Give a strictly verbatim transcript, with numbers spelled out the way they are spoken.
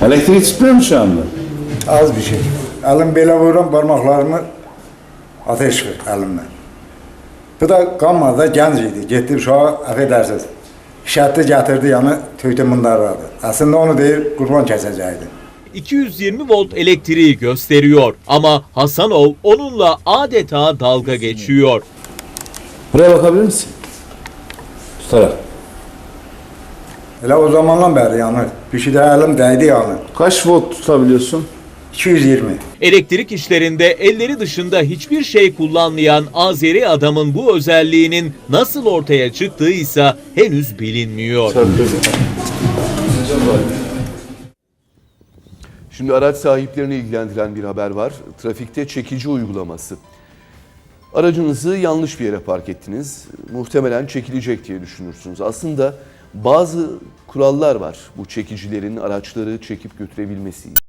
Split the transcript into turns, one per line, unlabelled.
Elektrik çıkmıyor mu şu anda?
Az bir şey. Elim belə vururam, parmaklarımı ateş ver elimle. Bu da qanmadı, gənc idi. Getdi uşağa, əfədərsiz. Şərtli gətirdi, yəni töydü mındarladı. Aslında onu deyir, qurban kəsəcəkdi.
iki yüz yirmi volt elektriği gösteriyor ama Hasanov onunla adeta dalga geçiyor.
Buraya bakabilir misin? Tutarak.
Elə o zamandan bəri yanır. Bir şey də əlim dəydi yanır.
Kaç volt tutabiliyorsun?
iki yüz yirmi.
Elektrik işlerinde elleri dışında hiçbir şey kullanmayan Azeri adamın bu özelliğinin nasıl ortaya çıktığıysa henüz bilinmiyor.
Şimdi araç sahiplerini ilgilendiren bir haber var. Trafikte çekici uygulaması. Aracınızı yanlış bir yere park ettiniz. Muhtemelen çekilecek diye düşünürsünüz. Aslında bazı kurallar var bu çekicilerin araçları çekip götürebilmesi için.